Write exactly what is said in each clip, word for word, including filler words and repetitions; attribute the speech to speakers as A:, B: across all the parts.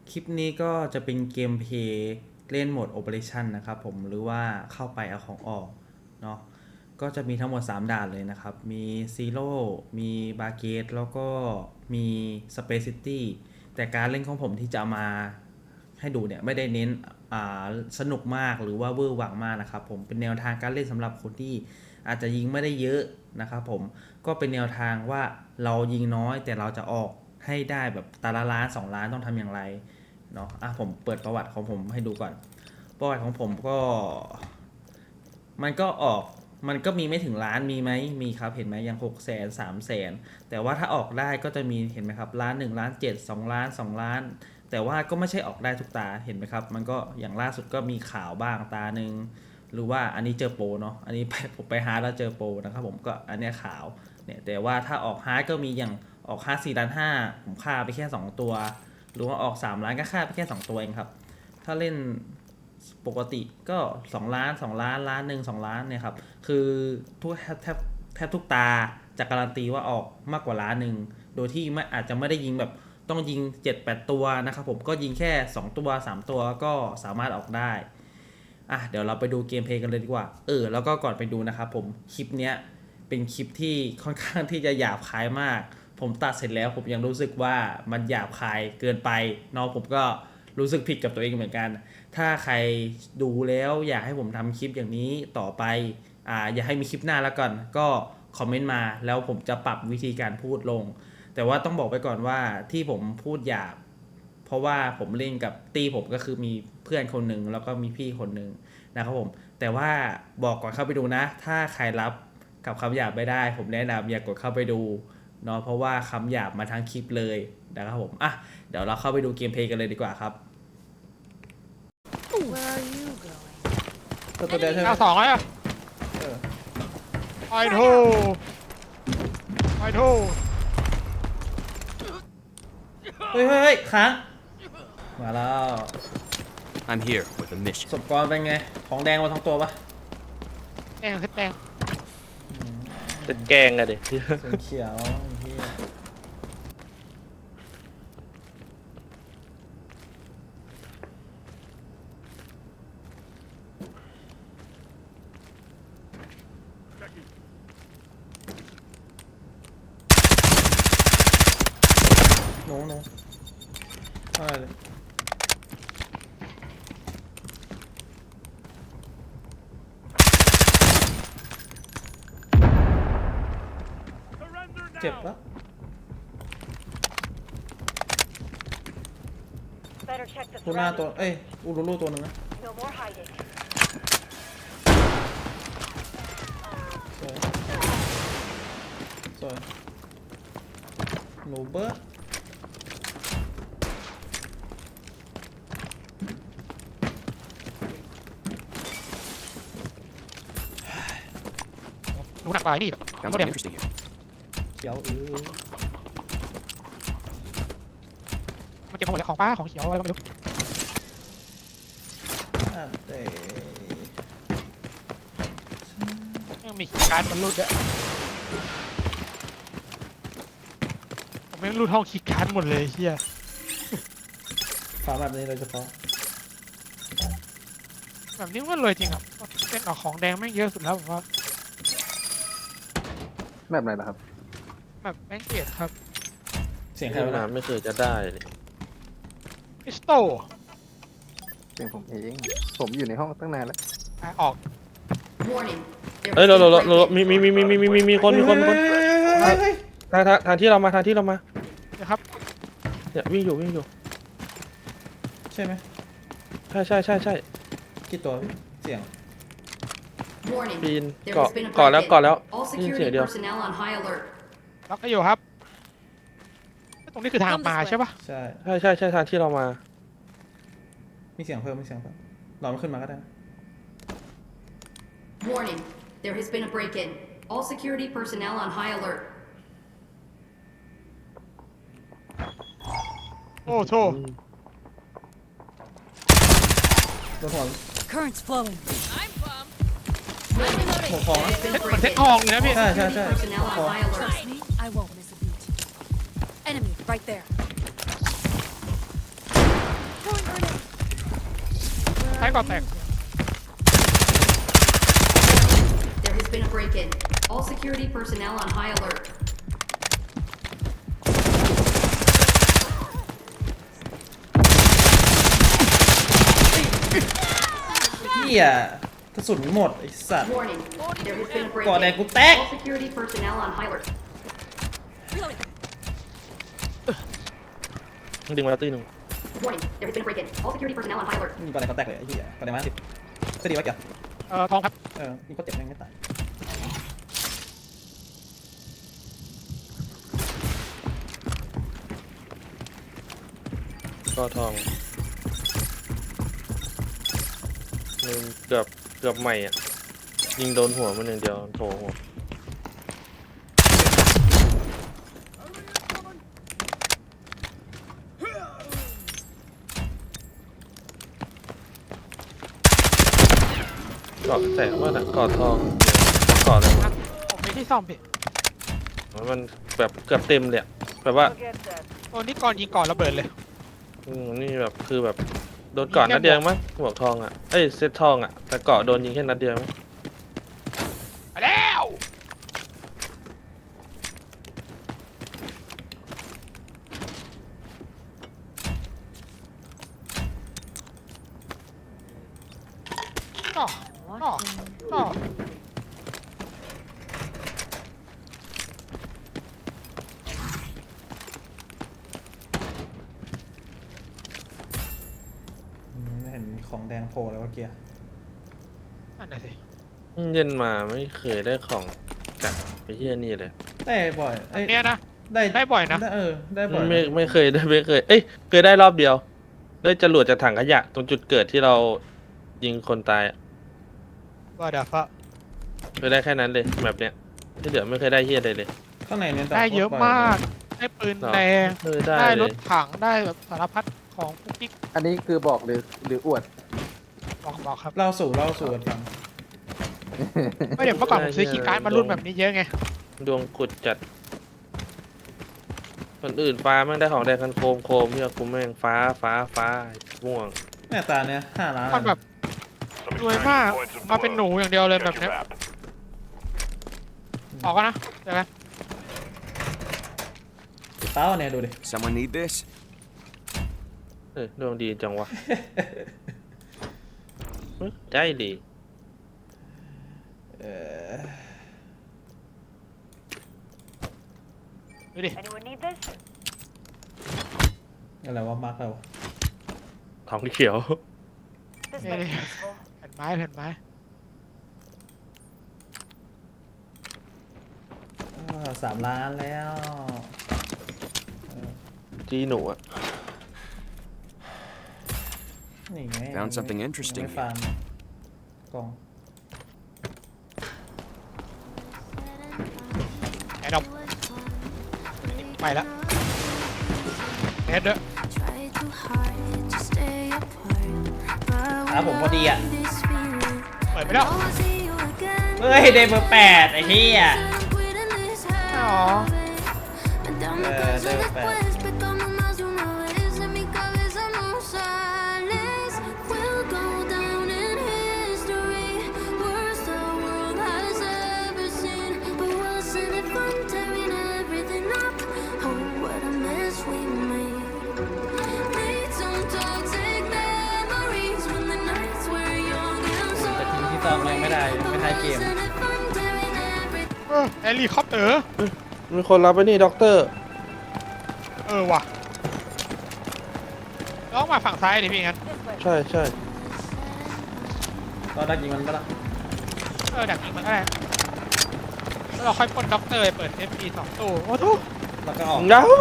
A: คลิปนี้ก็จะเป็นเกมเพลย์เล่นโหมด Operation นะครับผมหรือว่าเข้าไปเอาของออกเนาะก็จะมีทั้งหมดสามด่านเลยนะครับมี Zero มีบาเกตแล้วก็มี Space City แต่การเล่นของผมที่จะมาให้ดูเนี่ยไม่ได้เน้นสนุกมากหรือว่าเวอร์หวังมากนะครับผมเป็นแนวทางการเล่นสำหรับคนที่อาจจะยิงไม่ได้เยอะนะครับผมก็เป็นแนวทางว่าเรายิงน้อยแต่เราจะออกให้ได้แบบตาละล้านสองล้านต้องทำอย่างไรเนาะอ่ะผมเปิดประวัติของผมให้ดูก่อนประวัติของผมก็มันก็ออกมันก็มีไม่ถึงล้านมีไหมมีครับเห็นไหมยังหกแสนสามแสนแต่ว่าถ้าออกได้ก็จะมีเห็นไหมครับล้านหนึ่งล้านเจ็ดสองล้านสองล้านแต่ว่าก็ไม่ใช่ออกได้ทุกตาเห็นไหมครับมันก็อย่างล่าสุดก็มีข่าวบ้างตาหนึ่งหรือว่าอันนี้เจอโปรเนาะอันนี้ผมไปฮาร์ดแล้วเจอโปรนะครับผมก็อันนี้ข่าวเนี่ยแต่ว่าถ้าออกฮาร์ดก็มีอย่างออกฮาร์ดสี่ล้านห้าผมฆ่าไปแค่สองตัวหรือว่าออกสามล้านก็ฆ่าไปแค่สองตัวเองครับถ้าเล่นปกติก็สองล้านสองล้านล้านหนึ่ง สองล้านเนี่ยครับคือทุกแทบแทบทุกตาจะการันตีว่าออกมากกว่าล้านหนึ่งโดยที่ไม่อาจจะไม่ได้ยิงแบบต้องยิง เจ็ดแปด ตัวนะครับผมก็ยิงแค่สองตัวสามตัวก็สามารถออกได้อ่ะเดี๋ยวเราไปดูเกมเพลย์กันเลยดีกว่าเออแล้วก็ก่อนไปดูนะครับผมคลิปเนี้ยเป็นคลิปที่ค่อนข้างที่จะหยาบคายมากผมตัดเสร็จแล้วผมยังรู้สึกว่ามันหยาบคายเกินไปเนาะผมก็รู้สึกผิดกับตัวเองเหมือนกันถ้าใครดูแล้วอยากให้ผมทำคลิปอย่างนี้ต่อไปอ่าอยากให้มีคลิปหน้าแล้วก่อนก็คอมเมนต์มาแล้วผมจะปรับวิธีการพูดลงแต่ว่าต้องบอกไปก่อนว่าที่ผมพูดหยาบเพราะว่าผมเล่นกับตีผมก็คือมีเพื่อนคนหนึ่งแล้วก็มีพี่คนหนึ่งนะครับผมแต่ว่าบอกก่อนเข้าไปดูนะถ้าใครรับกับคำหยาบไม่ได้ผมแนะนำอย่ากดเข้าไปดูเนาะเพราะว่าคำหยาบมาทั้งคลิปเลยนะครับผมอ่ะเดี๋ยวเราเข้าไปดูเกมเพลย์กันเลยดีกว่าครับ
B: Where are you going?
A: ตัวตัวเดียวใช่ไหม
C: เอาสองเลยอ่ะ
A: เออ
C: ไอโทไอโท
A: เฮ้ยเฮ้ยเฮ้ยค้างมาแล้ว
D: I'm here with a mission.
A: ศพกรเป็นไงของแดงมาทั้งตัวปะ
C: แดงขึ้นแดง
E: จะแกงอะดิ
A: สีเขียวเหี้ยหนูหนูอะไรเลยเจ็บปะ
B: Better check the
A: กูหน้าตัว
B: surroundings.
A: เอ้ยอูรูรูตัวหนึงนะ
B: No more hiding.
A: สวยสวยหนูเบิร์ด
C: รู้หนักไปนี่
D: Sounds
C: ก็เดี๋
D: like
C: ยว
D: interesting here.
A: เขียวเออ
C: มันเก็บของหมดแล้วของป้าของเขียวอะไรก็ไม่รู้
A: อ่ะเตะ
C: ยังมีการมันรูดด้วยผมไม่รูดห้องคีย์การ์ดหมดเลยเฮีย
A: ฝาแบบนี้โดยเฉพาะ
C: แบบนี้มันเลยจริงอ่ะเป็นออกของแดงแม่งเยอะสุดแล้วผมว่า
E: แบบไหนล่ะครับ
C: แบบแม่งเกลียดครับ
A: เสียงใคร
E: ขึ้น
A: วะ
E: มา
A: นะ
E: ไม่เคยจะได้เลย
C: พิสโต
E: เสียงผมเอง ผมอยู่ในห้องตั้งนานแล้ว
C: ออก
B: Warning. There
E: เอ้ย
B: has
E: เรา
B: been
E: เรา
B: a
E: เรา
B: break-in.
E: มีมีมีมีมีมีมีมีคนมีคนมีคน
A: เฮ้ยเฮ้ยเฮ้ย
E: ทางทางทางที่เรามาทางที่เรามา
C: นะครับ
E: เนี่ยวิ่งอยู่วิ่งอยู่
A: ใช่ไหม
E: ใช่ใช่ใช่ใช่
A: กี่ตัวพี่เสียง
B: Warning.
E: ปีน
B: There
E: เกาะ
B: has been a
E: เกาะแล้ว
B: break-in.
E: เกาะแล้ว
B: All
E: ได้ยินเสียง
B: security
E: เดียว
B: personnel on high alert.
C: ล็อกก็อยู่ครับตรงนี้คือทางมาใช่ปะ
A: ใช่
E: ใช่ใช่ใช่ทางที่เรามา
A: มีเสียงเพิ่มมีเสียงเพิ่มรอมันขึ้นมาก็ได้นะ
B: Warning. There has been a break-in. All security personnel on high alert.
C: โอ้โถ
A: โดนหัว
F: Current's flowing.
B: Warning.
A: หัวของนะ
B: There has been a
C: เหมือนเซ็ต
B: break-in.
C: ทองเลยนะพี่
A: ใช่ใช่
B: Security
A: ใช่
B: personnel on high alert.
F: Trust me, I won't miss a beat. Enemy right there.
C: ท้ายก่อนแตก
B: There has been a break-in. All security personnel on high alert.
A: เฮียกระสุนหมดไอ้สัตว์
B: Warning. There has been a
A: ก่อแดง
B: break-in.
A: กูแตก
B: All security personnel on high alert.
F: ดึงมาแล้วตีหนึ่ง
B: Warning. There has been a break-in. All security personnel on high alert.
A: มีก่อนแดงก็แตกเลยไอ้เฮียก่อนแดงมาสิบจะดีวะเกียร์
C: เอ่อทองครับ
A: เออมีคนเจ็บแม่งไม่ตาย
F: ก็ทองหนึ่งเกือบเกือบใหม่อ่ะ ยิงโดนหัวมันหนึ่างเดียวโถหัวเกาะแตกว่าแต่เกาะทองเกาะอะไรวะ
C: ผมมีที่ซ่อมพี่
F: มันแบบเกือบเต็มเลยอะแบบว่า
C: ตัวนี้ก่อนยิงก่อนระเบิดเลย
F: อืมนี่แบบคือแบบโดนเกาะนัดเดียวมั้งหมวกทองอ่ะเอ้ยเซตทองอ่ะแต่เกาะโดนยิงแค่นัดเดียวมั้ง
C: ไปแล้วต่อต่อต่อ
A: อืมไม่เห็นมีของแดงโผล่เลยวะเกียร์
C: นั่นน่ะสิ
F: เย็นมาไม่เคยได้ของจากไปเฮียนี่เลย
A: ได้บ่อยเอ้ย
C: เนี่ยนะ
A: ได้
C: ได้บ่อยนะ
A: ได้เออได้บ่อย
F: ไม่ไม่เคยได้ไม่เคย เอ้ยเคยได้รอบเดียวได้จรวดจากถังขยะ ตรงจุดเกิดที่เรายิงคนตายอะ
C: ว่าเดี๋ยวฟ้า
F: เคยได้แค่นั้นเลยแบบเนี้ยที่เหลือไม่เคยได้เฮียใดเลย
A: ข้างในเนี่ย
C: ได้เยอะมาก ได้ปืน
F: หรอ
C: แดง
F: เคยได้
C: ได้
F: เล
C: ร
F: ย
C: ถถัง ได้แบบสารพัดของปุ๊กปิ๊ก
E: อันนี้คือบอกหรือหรืออวด
C: บอกบอกครับ
A: เล่าสู่เล่าสู่กันฟัง
C: ไม่เดี๋ยวเมื่อก่อนผมซื้อคีย์การ์ดมารุ่นแบบนี้เยอะไง
F: ดวงกุดจัดคนอื่นฟ้าแม่งได้ของแดงคันโคมโคมเฮียกูแม่งฟ้าฟ้าฟ้าม่วง
A: แม่ตาเนี่ยห้าล้าน
C: มันแบบรวยมาก มาเป็นหนูอย่างเดียวเลยแบบเนี้ยออกกันนะเดี๋ยวกัน
A: เต้าเนี่ยดูดิ
D: Someone need this?
F: เออดวงดีจังวะ เฮ้ยใจดี
A: เออ
C: ดูดิ
G: Anyone need this?
A: อะไรวะมาร์กเรา
F: ทองเขียว
G: This
C: Yeah,
G: might be
C: yeah.
G: useful.
C: แผ่นไม้แผ่นไม้
A: อ่าสามล้านแล้ว
F: จีหนูอะ
A: นี่ไง
D: Found something interesting
A: ไม่ฟาร์มกล่อง
C: ไอ้ดอกไปแล้วเฮ็ดเด้อ
A: อ่ะผมพอดีอ่ะ
C: เปิดไปแล้ว
A: เฮ้ยได้เบอร์แปดไอ้เหี้ย
C: อ๋อ
A: เออได้เบอร์แปด แต่ทีมที่ตามยังไม่ได้ยังไม่ท้ายเกม
C: เออเฮลิคอปเตอร์
F: มีคนรับไปนี่ด็อกเตอร์
C: เออว่ะต้องมาฝั่งซ้ายดิพี่งั้น
F: ใช่ใช่
A: ตอนดักยิงมันปะล่ะ
C: เออดักยิงมันก็ได้แล้วเราค่อยปล้นด็อกเตอร์ไปเปิด เอฟ พี สองตู้โอ้ทุก
A: แล้วก็ออก
F: เงา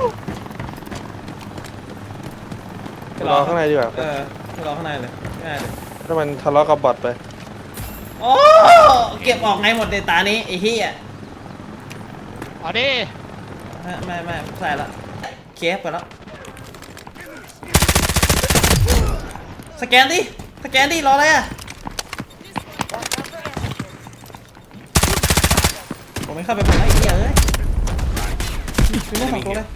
F: รอข้างในดีกว่า
A: เออไปรอข้างในเลยง่ายเลย
F: ถ้ามันทะเลาะกับบอทไป
A: โอ้เก็บออกไงหมดในตานี้ไอ้เหี้ย
C: อ๋อดิ
A: ไม่ไม่ไม่ใส่ละเคฟไปแล้วสแกนดิสแกนดิรออะไรอ่ะผมไม่เข้าไปผมไอ้เหี้ยเอ้ยมีเรื่องของตัวเลย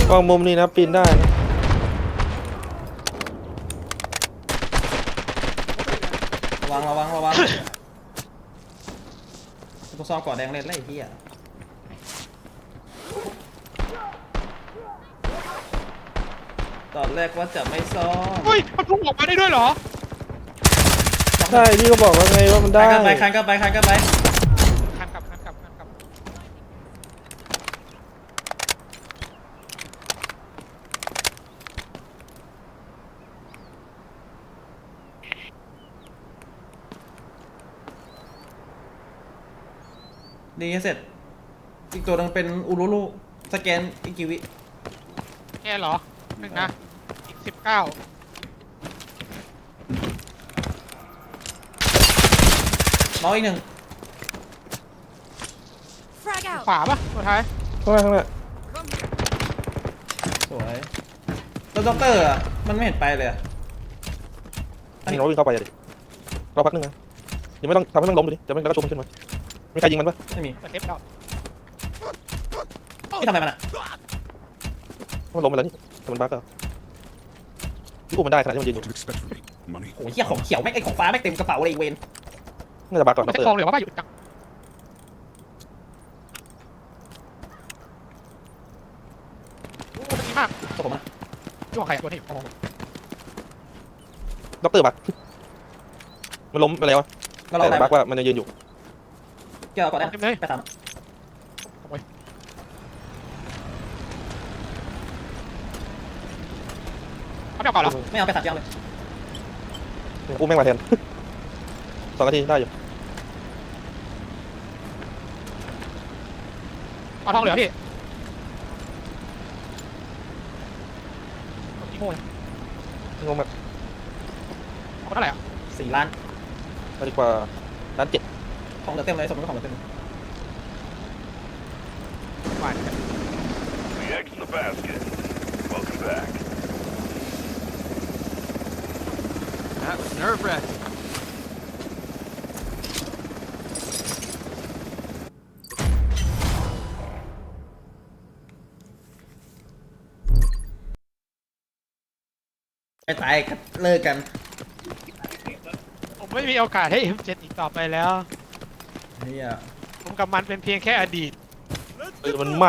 F: วางมุมนี้นะปีนได้นะ
A: ระวังระวังระวังกูซ้อมก่อแดงเล่นไล่ที่อ่ะตอนแรกว่าจะไม่ซ้อม
C: เฮ้ยมันพุ่งออกมาได้ด้วยเหรอ
F: ใช่พี่ก็บอกว่าไงว่ามันได้
A: คันไปคันก็ไปคันก็ไป
C: คันกลับคันกลับคันกลับ
A: ดีเสร็จ อีกตัวนึงเป็นอูรุรุสแกนอีกกี่วิ
C: แค่เหรอหนึ่งนะอีกสิบเก้า
A: น้องอีกหนึ่ง
G: Frag out.
C: ขวาปะตัวท้าย
F: ข้างหน้าข้างหน้า
A: สวยแล้วด็อกเตอร์อ่ะมันไม่เห็นไปเลยอะ
F: อันนี้เราวิ่งเข้าไปเลยรอพักนึงนะยังไม่ต้องทำให้มันล้มเลยดิจะไม่แล้วก็ชุบมันขึ้นมามีใครยิงมันปะ
A: ไม่มี
C: เปิดเทปแล้ว
A: พี่ทำอะไรมันอ่ะ
F: มันล้มไปแล้วนี่แต่มันบั๊กอะพี่อุ้มมันได้ขนาดที่มันยืนอยู่
H: What do you expect from me? Money?
A: โอ้ยเหี้ยของเขียวไม่งไอของฟ้าไม่งเต็มกระเป๋าเลยไอ้เวน
F: น่าจะบั๊กก่อน
C: มัน
F: นะ
C: จะ
F: เตอ
C: ทอง
F: ร์
C: เหลือว่าบ้าอยู่จัง โอ้ดีมาก
A: ตัวผมนะ
C: ช่วงใครตัวนี้โอ้โห
F: ด็อกเตอร์บั๊กมันล้มไปแล้วอะ
A: ก็รอ
F: แต่
A: ได้
F: บั๊กว่ามันยังยืนอยู่
A: เกี่ยวก่อนได้
C: เต็มเลย
A: ไปตาม
C: เขาไม่เอาก่อนเหรอ
A: ไม่เอาไปสามเกี่ยวเลย
F: อุ้มแม่งมาแทน สองนาทีได้อยู่
C: เอาทองเหลือพี่โง่เลย
F: งงแบบ
C: เอาเท่าไหร่อ่ะ
A: สี่ล้าน
F: เอาดีกว่าล้านเจ็ด
A: ของเหลือเต็มเลยสมมติของเหลือเต็ม
C: หวาน
H: The egg's in the basket. Welcome back.
D: That was nerve-wracking.
A: ไปตายกันเลิกกัน
C: ผมไม่มีโอกาสให้ เอ็ม เจ็ด อีกต่อไปแล้ว
A: เฮีย
C: ผมกับมันเป็นเพียงแค่อดีต
F: เออมันหมา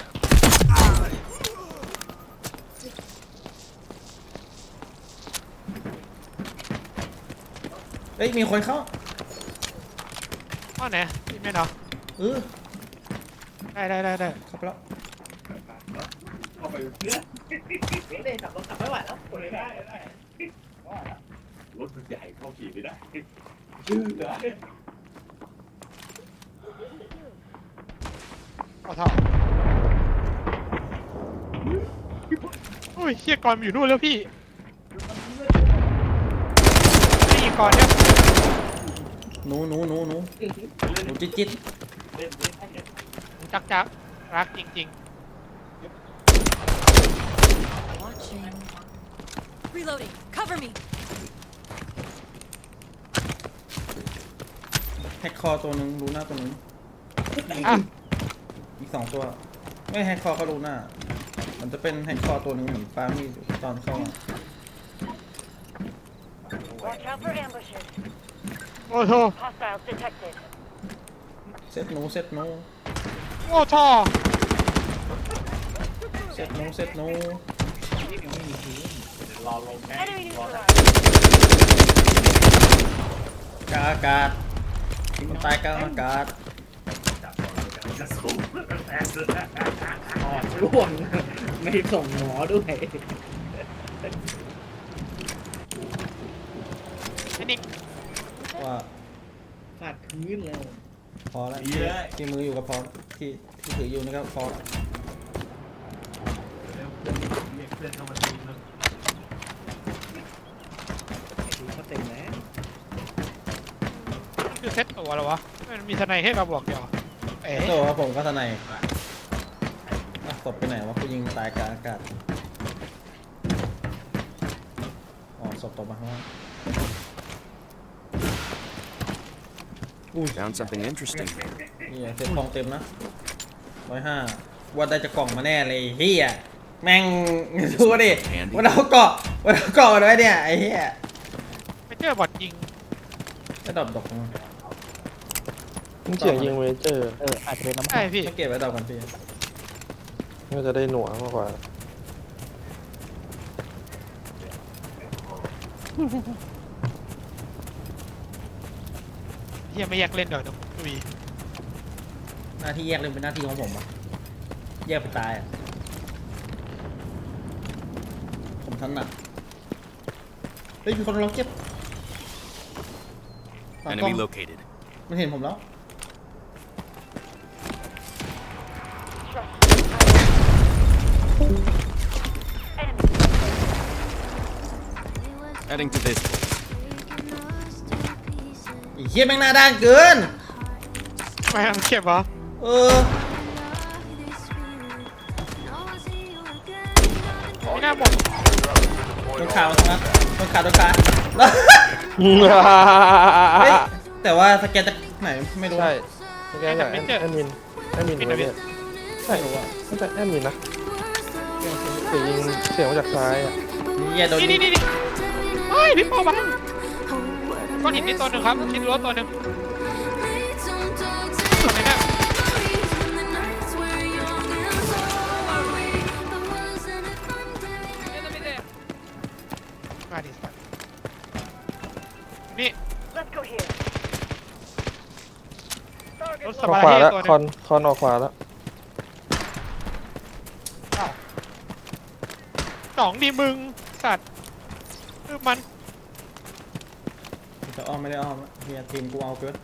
A: เฮ้ยมีคนเข้า
C: อ้อไหนพี่ไม่เนาะ
A: เออ
C: ได้ได้ได้ได้
A: เข้าไปแล้ว
H: รถมันใหญ่เข้าขี่ไม่ได้
C: เอาเท่าโอ้ยเฮียกรมันอยู่นู่นแล้วพี่ไม่ยิงกรเนี่ย
A: หนูหนูหนูหนูหนูจิ๊ดจิ๊ด
C: จักจักรักจริง
G: Watching. Reloading. Cover me.
A: แฮกคอตัวหนึ่งรูหน้าตัวหนึง
C: ๆอ่ะ
A: อีกสองตัว ไม่แฮกคอก็รูหน้า มันจะเป็นแฮกคอตัวหนึ่งเหมือนปามีดตอนเข้ามา
I: Watch out for ambushes.
C: โอ้โห
I: Hostiles detected.
A: เซตหนูเซตหนู
C: โอ้ท่อ
A: เซตหนูเซตหนู
I: Enemy neutralized.
A: กาอากาศมันตายกลางอากาศ
J: ร่วง ไม่ส่งหมอด้วย
C: เทคนิค
A: ว่า
J: ฟาดพื้นแล้ว
A: พอแล้วที่ที่มืออยู่กับพอที่ที่ถืออยู่นี่ก็พอแล้ว
J: ดูเขาเต็มแล้ว
C: นี่คือเซ็ตตัวแล้ววะมันมีทนายให้เราบอกเดียวเอ๋
A: โตครับผมก็ทนายอ่ะศพไปไหนวะกูยิงตายกลางอากาศอ๋อศพตกมาข้างล่าง
D: Found something interesting here.
A: นี่เซ็ตทองเต็มนะร้อยห้าว่าได้จะกล่องมาแน่เลยเฮียแม่งดูดิวันเอาเกาะวันเอาเกาะไว้เนี่ยไอ้เหี้ย
C: ไม่เจอบอทยิง
A: จะดรอปดอกมั้ง
F: มันเสียงยิงเมเจอร์
E: เอออาจจะเป็นน้ำ
C: ใช่พี่
A: ไม่เก็บไว้ดอกกันพี่
F: น่าจะได้หน่วงมากกว่า
C: เฮียไม่แยกเล่นเดี๋ยวเดี๋ยวดุย
A: หน้าที่แยกเลยเป็นหน้าที่ของผมอะแยกไปตายอะผมถนัดเฮ้ยมีคนล็อกเก็บหลังกล้อง
D: Enemy located.
A: มันเห็นผมแล้ว
D: Heading to this.
A: ไอ้เหี้ยแม่งหน้าด้านเกิน
C: ไม่ทำเก็บเหรอ
A: เออ
C: ไม่น่าหมด
A: โดนขาตรงนั้นโดนขาโดนขาแล้วเฮ้ยแต่ว่าสแกนจากไหนไม่รู้
F: ใช่สแกนจากแอดแอดมินแอดมินถูกไหมเนี่ยใช่ว่าน่าจะแอดมินนะเสียงยิงเสียงมาจากซ้ายอ่ะ
A: เหี้ยโดน
C: นี่
A: ยิ
C: นี่
A: ง
C: นี่นี่เฮ้ยพี่ปอบังก้อนหินนี่ตัวหนึ่งครับชิ้นรั้วตัวหนึ่งตัวไหนเนี่ยมาดิสัตว์นี่
I: Let's go here.
C: รถส
F: ออก
C: บาย
F: ขวา
C: เฮ
F: แล้ว
C: ตัวห
F: คอ
C: นึ
F: น
C: ง
F: คอนออกขวาแล้ว
C: อ้าวสองดีมึงสัตว์คือมัน
A: จะอ้อมไม่ได้อ้อมอะเฮียทีมกูเอาเกิน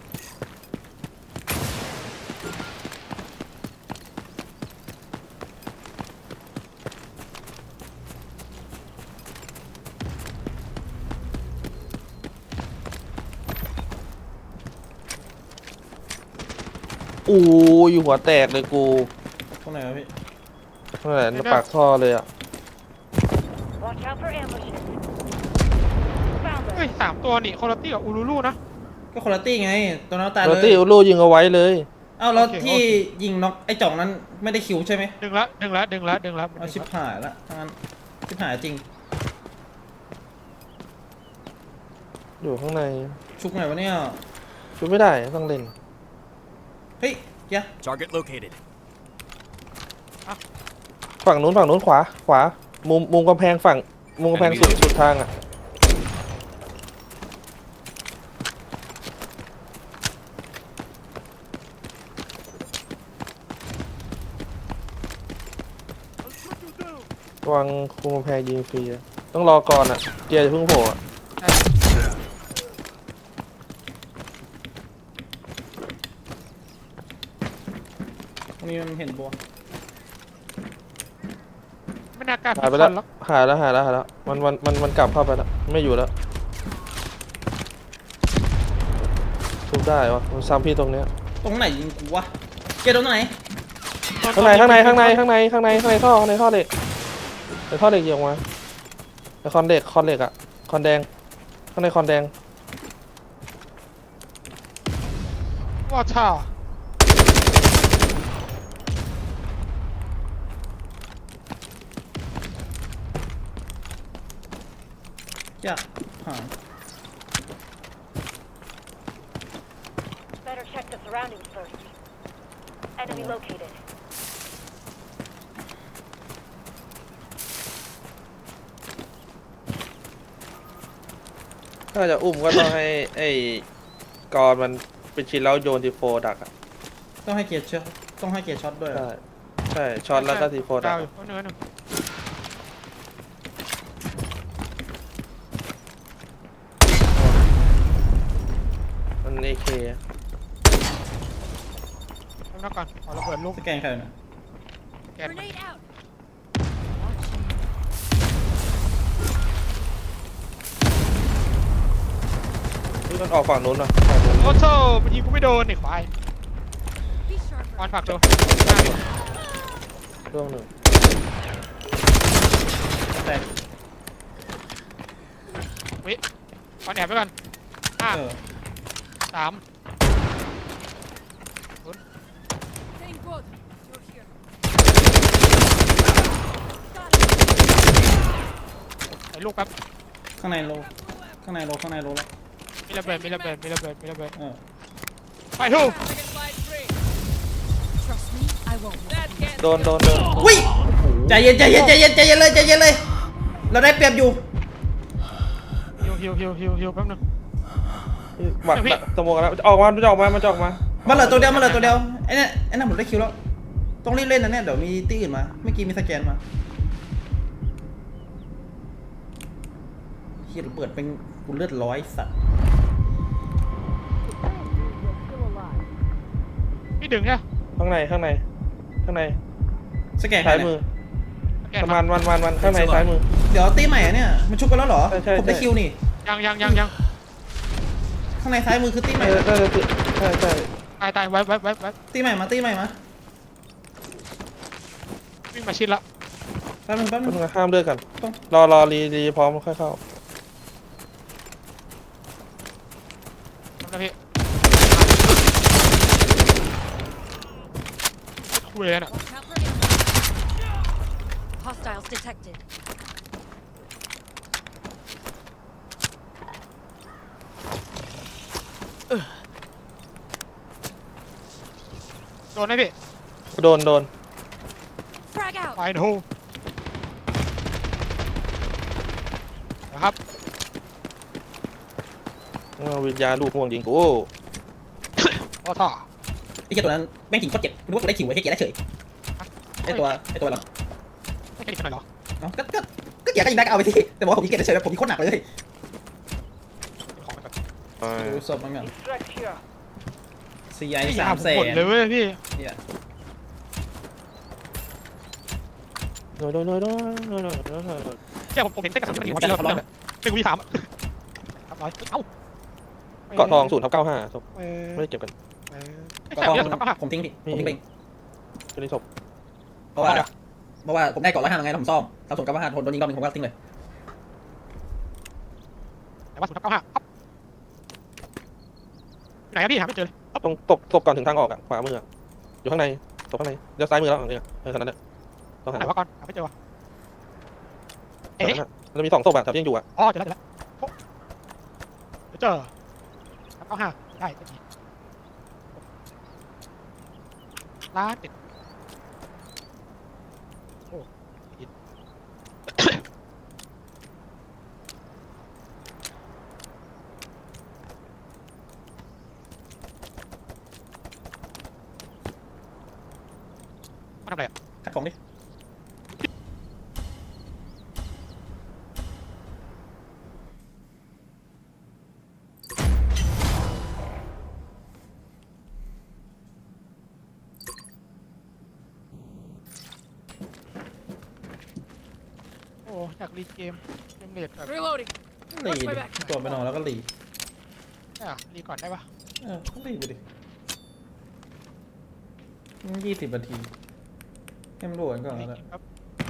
F: อู้อยู่หัวแตกเลยกู
A: ตรงไหนวะพี่
F: นั่นแหละปากท่อเลยอ่ะ
I: Watch out for ambushes. Found
C: เฮ้ย
I: them.
C: สามตัวนี่โคโรตี้กับอูรูลูนะ
A: ก็คนละตี้ไงตัวน้าตาย
F: โร
A: เล
F: ตี้
A: ย
F: อุลูยิงเอาไว้เลย
A: เอ้าแล้ว
C: โอเค
A: ที่
C: โอเค
A: ยิงน็อกไอ้จ่องนั้นไม่ได้คิวใช่ไหม
C: ดึงละดึงละดึงละดึงละ
A: เอาชิบหายละทั้งนั้นชิบหายจริง
F: อยู่ข้างใน
A: ชุกไหนวะเนี่ย
F: ช่วยไม่ได้ต้องเล่น
A: เฮ้ยเหี้ย
D: Target located.
F: ฝั่งนู้นฝั่งนู้นขวาขวา มุมมุมกำแพงฝั่งมุมกำแพงสุดสุดทางอ่ะ วางคุมกำแพงยิงฟรีอะต้องรอก่อนอ่ะ เกียร์จะเพิ่งโผล่อะ
A: ตรงนี้มันเห็นบัว
C: ไม่น่ากล้า
F: หายไป
C: พิ
F: แล้ว
C: คอนหรอก
F: หายแล้วหายแล้วหายแล้วมันมันมันมันกลับเข้าไปแล้วไม่อยู่แล้วทุบได้วะมันซ้ำพี่ตรงเนี้ย
A: ตรงไหนยิงกูวะเกตตรงไหน
F: ข้างในข้างในข้างในข้างในข้างในข้างในท่อข้างในท่อเหล็กในท่อเหล็กยิงออกมาในคอนเหล็กคอนเหล็กอะคอนแดงข้างในคอนแดง
C: ว่าช่า
A: จะหาย
I: Better check the surroundings first. Enemy located.
F: ถ้าจะอุ้มก็ต้องให้ไอ้กอนมันเป็นชิ้นแล้วโยนทีโฟดักอะ
A: ต้องให้เกียร์ช็อตต้องให้เกียร์ช็อตด้วยเหรอ
F: ใช่ใช่ช็อตแล้วก็ทีโฟดั
C: ดาก วอยู่คนหนึ่งคนหนึ่ง
F: มันเอเค
C: ทำนักก่อนขอระเบิดลูก
A: สแกนใครนะ
C: แกนมัน
G: Grenade out.
F: มันออกฝั่งนู้นเหรอฝั่งนู้น
C: โอ้โธ่มันยิงกูไม่โดนไอ้ควาย
G: Be sharp.
C: ออนผลักดู
F: ช่วงหนึ่ง
A: แต่
C: วิออนแอบไปก่อนห้า
A: เออ
C: สาม
G: Thank God you're here. Got
C: ยวลูกแป๊บ
A: ข้างในโลข้างในโลข้างในโลแล้ว
C: มีระเบิดมีระเบิดมีระเบิดมีระเบิด
A: เออ
C: ไปทู
G: Trust me, I won't.
F: โดนโดนโดน
A: อุ้ยใจเย็นใจเย็นใจเย็นใจเย็นเลยใจเย็นเลย เราได้เปรียบอยู่
C: ฮิวฮิวฮิวฮิวฮิวแป๊บนึง
F: บัตรสมองกันแล้วออกมามันจะออกมามันจะออกมา
A: มันเหลือตัวเดียวมันเหลือตัวเดียวไอ้เนี่ยไอ้นั่นผมได้คิวแล้วต้องรีบเล่นนะเนี่ยเดี๋ยวมีตีอื่นมาเมื่อกี้มีสแกนมาเฮียเปิดเป็นกูเลือดร้อยสัตว์
C: พี่ดึงใช่ไหม
F: ข้างในข้างในข้างใน
A: สแกน
F: ซ้ายมือ
C: แก
F: ประมาณวันวันวันข้างในซ้ายมือ
A: เดี๋ยวตีใหม่อะเนี่ยมันชุบกันแล้วเหรอ
F: ใช่ใช่
A: ผมได้
F: ใช่
A: คิวนี่
C: ยังยังยังยัง
A: ข้างในซ้ายมือคือตีใหม่
F: ใช่ใช่ใช่ใช่
C: ตายตายไว้ไว้ไว้ไว้
A: ตีใหม่มาตีใหม่มา
C: วิ่งมาชิดละ
A: แป๊บนึงแป๊บนึ
F: ต้อง
A: ง
F: ห้ามเลือกกัน
A: ต้อง
F: รอรอรีรีพร้อมค่อยเข้า
C: ทำนะพี่คุยเลยน่ะ
G: Watch out for enemies. Hostiles detected.
C: โดนไหมพี่
F: โดนโดน
G: Frag out.
C: ไปทูนะครับ
F: เอาวิญญาณลูกห่วงยิงกู
C: โอ้ท่อ
A: ไอ้เจ้าตัวนั้นแม่งขิงโคตรเจ็บรู้ว่ากูได้คิวไอ้เจ๊ได้เฉยไอ้ตัวไอ้ตัวเหรอ
C: ไม่แค่นี้หน่อยเหรอ
A: เอ้าก็ก็ก็เกียร์ก็ยิงได้ก็เอาไปสิแต่บอกว่าผมยิงเกียร์เฉยๆผมยิงโคตรหนักเลย
C: ของมันก่อน
A: ดูศพมันก่อน
I: Extract here.
A: ซีไอ
C: พี่
A: สา
C: หาม
A: แส
C: หมด
A: น
C: เลยเว้ยพี่
A: เนี่ย
F: โดนโดนโดนโดนโดนโดนโดนโดน
C: แค่ผมผมเห็นเส้นกระสุนมันอยู่ที่เราเริ่มเลยเป็นกูที่สามอ่ะครับร้อยเอ้า
F: เกาะทองศูนย์ทับเก้าห้าศพ
C: เออ
F: ไม่ได้เก็บกัน
C: เออไม่
A: ก็
C: ใช่
A: ต้อง
C: เรื่องสุดท้าย
A: ผมทิ้งพี่ผมทิ้งไป
F: ตัวนี้ศพ
A: เพราะว่าเพราะว่าผมได้เกาะร้อยห้าไงแล้วผมซ่อมถ้าสมกับว่าห้าทนโดนยิงรอบนึงผมก็ทิ้งเลย
C: แต่ว่าสุดท้ายเก้าห้าไหนอะพี่หาไม่เจอเลย
F: ตรงตกศพก่อนถึงทางออกอ่ะขวามืออยู่ข้างในศพข้างในเดี๋ยวซ้ายมือแล้วเนี่ยเออขนาดนั้นต้องหา
C: ไหนวะก่อนหาไม่เจอวะเอ๊ะ
F: มันมีสองศพอ่ะแต่ยังอยู่อ่ะ
C: อ๋อเจอแล้วเจอแล้วเจอเก้าห้าได้ก็ดีล้านติดโอ้ผิดมาทำอะไรอ่ะ
A: คัดของดิ
C: โอ้อยากรีเกมเกมเลดแบบ
G: Reloading.
A: หลีดิตัวไปนอนแล้วก็หลี
C: อ่ะรีก่อนได้ปะ
A: เออก็หลีไปดิยี่สิบนาทีให้มันรวนก่อนแล้วกัน
C: ครับ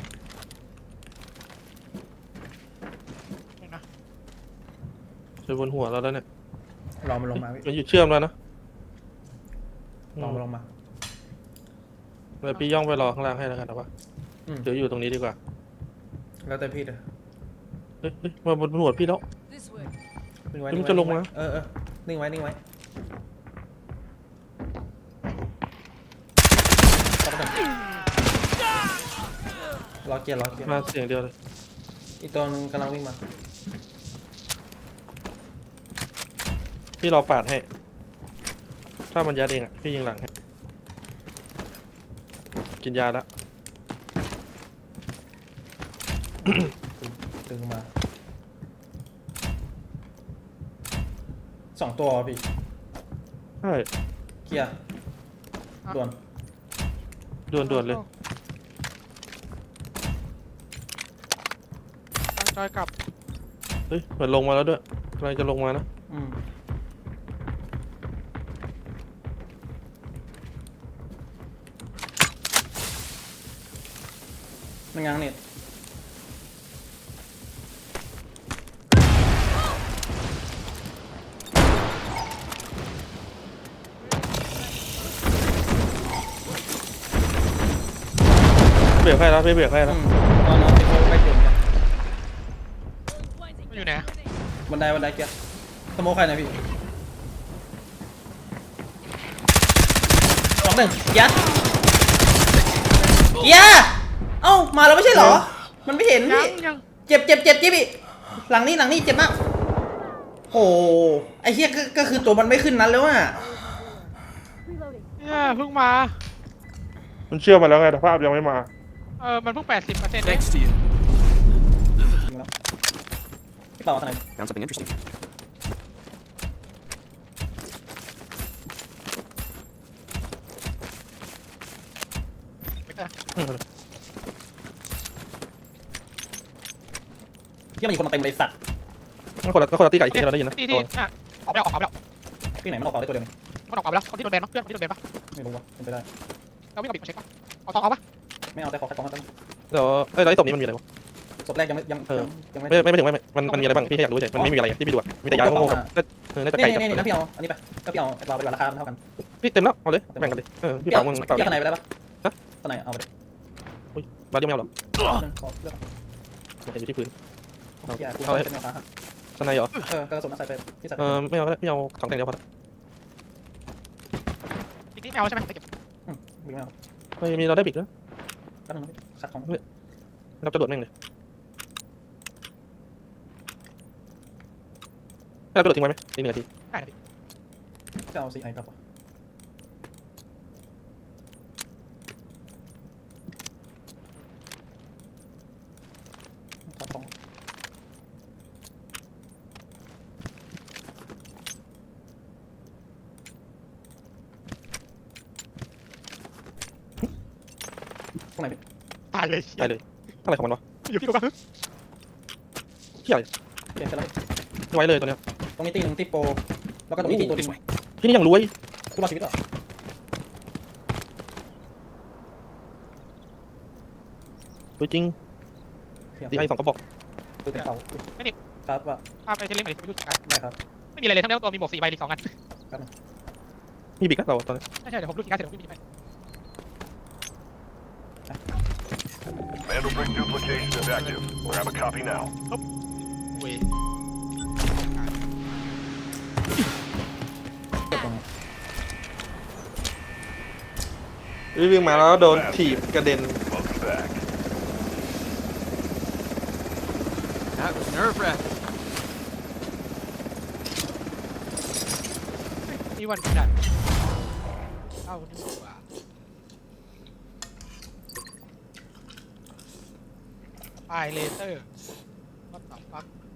C: นี่นะ
F: อยู่บนหัวเราแล้วเนี่ย
A: รอมันลงมาพี่
F: มันอยู่เชื่อมแล้วนะ
A: รอมันลงมา
F: เดี๋ยวพี่ย่องไปรอข้างล่างให้แล้วกันนะวะ
A: อืม
F: เดี๋ยวอยู่ตรงนี้ดีกว่า
A: แล้วแต่พี่เลย
F: เฮ้ยเฮ้ยมาบนหัวพี่แล้ว
G: This way.
A: นิ่งไว้
F: มัน
A: นิ่งไว้
F: จะลงมา
A: เออเออนิ่งไว้นิ่งไว้รอเกียร์รอเกียร์
F: มาเสียงเดียวเลย
A: อีกตัวนึงกำลังวิ่งมา
F: พี่รอปาดให้ ถ้ามันยัดเองอ่ะพี่ยิงหลังให้กินยาแล้ว
A: ดึงมาสองตัวพี่
F: ใช่
A: เกียร์ด่วน
F: ด่วนด่วนเลย
C: ตั้งใจกลับ
F: เฮ้ยเหมือนลงมาแล้วด้วยกำลังจะลงมานะ
A: อืมมันง้างเน็ต
F: เบรกให้แล้วพี่เบรกให้
A: อื
F: แล้ว
A: มตอนนั้นที่เขาไปจุดกันไดบันไดเกียร์สโมคใครหน่อยพี่สองหนึ่งยัดเกียร์เอ้ามาแล้วไม่ใช่เหรอมันไม่เห็น
C: ยั
A: พี่
C: งยัง
A: เจ็บเจ็บเจ็บจิ๊บพี่หลังนี้หลังนี้เจ็บมากโอ้ไอ้เหี้ยก็ก็คือตัวมันไม่ขึ้นนั้นแล้วอ่ะ
C: เนี่ยเพิ่งมา
F: มันเชื่อมาแล้วไงแต่ภาพยังไม่มา
C: เออมันเพิ่งแปดสิบเปอร์เซ็นต์เอง
D: Thanks to you.
A: พี่เป่าทำไม
D: Found something interesting.
A: ที่มันมีคนมาเต็มเลยสัตว์
F: นั่นคนละนั่นคนละตีไก่ที่เราได้ยินนะ
C: ที่ที่อ่ะออกไปแล้วออกไปแล้ว
A: ที่ไหนมันออกเอาได้ตัวเดียวนี่
C: มันออกไปแล้วคนที่โดนแบนเนาะเพื่อนคนที่โดนแบนปะ
A: ไม่รู้ว่ะเป็นไปได้
C: เราวิ่งกับบิ๊กมาเช็คปะเอาทองเอาปะ
A: ไม่เอาแต่ขอแค่ของมัน
F: เดี๋ยวเอ้ยแล้วไอ้ศพนี้มันมีอะไรวะ
A: ศพแรกยังไม่ยัง
F: เออ
A: ยังไม่
F: ไม่ไม่ไม่ถึงไม่มันมันมีอะไรบ้างพี่แค่อยากรู้เฉยมันไม่มีอะไรที่พี่ดูอะมีแต่ยาโง่ๆกับเออน่าจะ
A: นี่
F: ไก่กับ
A: นี่นี่นะพี่เอาอันนี้ไปก็พี่เอาเราไปราคาเท่ากัน
F: พี่เต็มแล้วเอาเลยแบ่งกันเลยเออพี่
A: พี่
F: เป่า
A: เอา
F: มึง
A: พี่
F: เป่า
A: เอาข้างในไปได้ปะ
F: ฮะ
A: ข้างในเอาไปดิ
F: บาดเดียวไม่เอาหรอ
A: หนึ่งขอเลือก
F: เห็นอยู่ที่พื้น
A: พี่อ่ะกู
F: เอาเลย
A: เป็นราคา
F: สไนเหรอ
A: เออกระสุนใส่ไปพี่ใส่
F: เออไม่เอาก็ได้พี่เอาสองแตงเดียวพอ
C: บิ๊กนี่ไม่เอาใช่ไหมไปเก็บ
A: วิ่งเอา
F: ไม่มีเราได้บิดแล้ว
A: แป๊บนึงคัดของ
F: เราจะโดดแม่งเลยให้เราไปโดดทิ้งไว้ไหมอีกหนึ่งนาที
C: ได้นะพี่
A: จะเอาซีไอครับคัดของตรงไหนพี่
C: ตายเลย
F: ได้เลยเท่าไหร่ของมันวะ
C: อยู่พี่ดูปะ
F: เที่ยอะไร
A: เปลี่ยนไปแล้ว
F: ไว้เลยตัวเนี้ย
A: ตรงนี้ตีหนึ่งตีโปรแล้วก็ตรงนี้ตีตัวดึง
F: พี่นี่ยังรวย
A: กูรอดชีวิตเหรอ
F: รวยจริงตีไอ้สองกระบอก
A: ตัวเต็มเสาครับว่า
C: พาไปเทเลมาดิไปดูกัน
A: ได้ครับ
C: ไม่มีอะไรเลยทั้งนั้นตัวมีหมวกสี่ใบอีกสองอัน
F: มีบิกนะเราตอนนี้
C: ใช่ใช่เดี๋ยวผมดูกี่การเสร็จผมวิ่งไป
H: Vandal brick duplication is active. Grab a copy now.
C: เว้ย
F: วิ่งมาแล้วโดนถีบกระเด็น
H: Welcome back.
D: That was nerve-wracking.
C: นี่วันกระดาษเอาดีกว่าปลายเลเซอร์วัดต่อฟัก